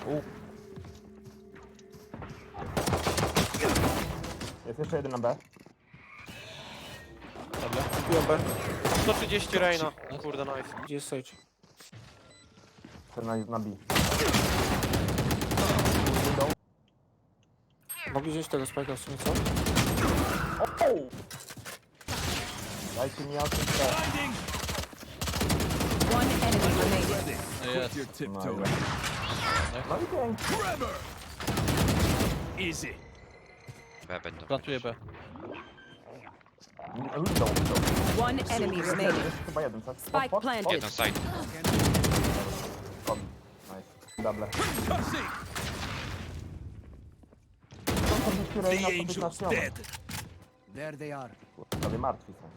Jest jeszcze jeden na B. Dobra. Kupiłem B. 130 Reina. Kurde, nice. Gdzie jest Sage? Ten na B. Mogli wziąć tego spajka w sumie, co? Dajcie mi asystę. One enemy remaining. Jest. Your tiptoe. No i pięknie. Easy. B będą. Plantuję B. Window. One enemy remaining. Jest chyba jeden, tak? Spike planted. Jeden side. Kobi. Nice. Double. Cussing. To The być angel's naśnione. dead. There they are. Prawie martwi są.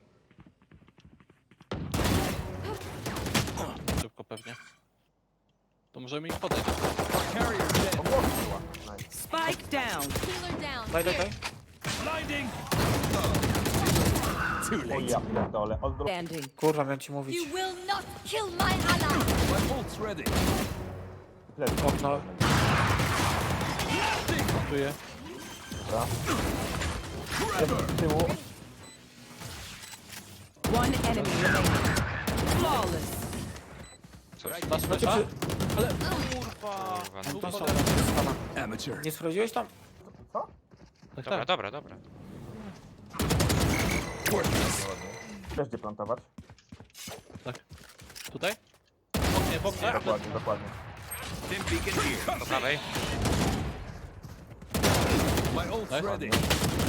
Szybko pewnie. To możemy ich podejść. Carrier dead. Nice. Spike down. Daj. Blinding. Too O late. ja pierdolę. Standing. Kurwa, miałem ci mówić. You will not kill my ally! My ult's ready. Okno. Plantuję. Z tyłu. One enemy remaining. Flawless. Coś. Masz flesza? Ale kurwa. Kurwa, To no. są. Amateur. Nie sprawdziłeś tam? Co? Tak, Dobra, tak. dobra, dobra. Też gdzie plantować? Tak. Tutaj? Po mnie. Dokładnie, dokładnie. Dim beacon here. Po prawej. My ult's Nice. ready.